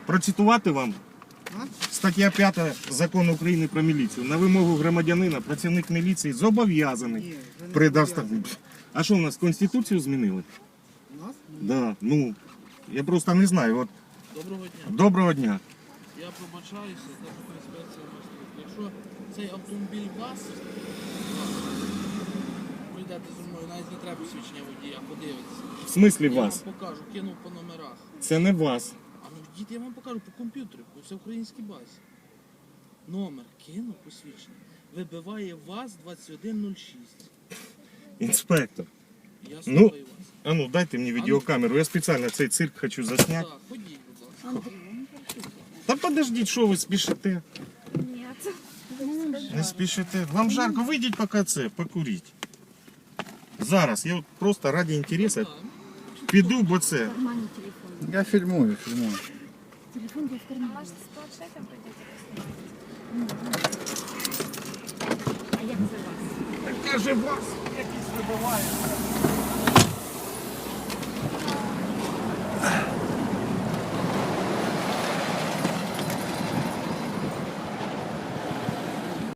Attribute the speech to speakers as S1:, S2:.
S1: Процитувати вам? Стаття 5 Закону України про міліцію. На вимогу громадянина працівник міліції зобов'язаний предоставити. А що, у нас Конституцію змінили?
S2: У нас?
S1: Да, ну, я просто не знаю. От,
S3: Доброго дня.
S1: доброго дня.
S3: Я пробачаюся, Державна інспекція мостів. Якщо цей автомобіль вас, прийдете зі мною, навіть не треба посвідчення водія, подивитися.
S1: В смислі
S3: Я
S1: вас?
S3: вам покажу, кинув по номерах.
S1: Це не вас.
S3: А ну діти, я вам покажу по комп'ютеру, по всеукраїнській базі. Номер кинув посвідчення. Вибиває ВАЗ 2106.
S1: Інспектор.
S3: Я
S1: Ну,
S3: слухаю вас.
S1: А ну, дайте мені відеокамеру. Я спеціально цей цирк хочу засняти.
S3: Так, ходіть, будь ласка.
S1: Та подождіть, що ви спішите?
S4: Нет.
S1: Не спішите. Вам жарко, вийдіть поки це, покуріть. Зараз, я от просто ради інтересу піду, бо це.
S4: В кармане телефон.
S2: Я фільмую.
S4: Телефон был в кармане.
S5: Може, з планшетом прийдете?
S4: А як це вас?
S1: Каже, вас якийсь вибиває.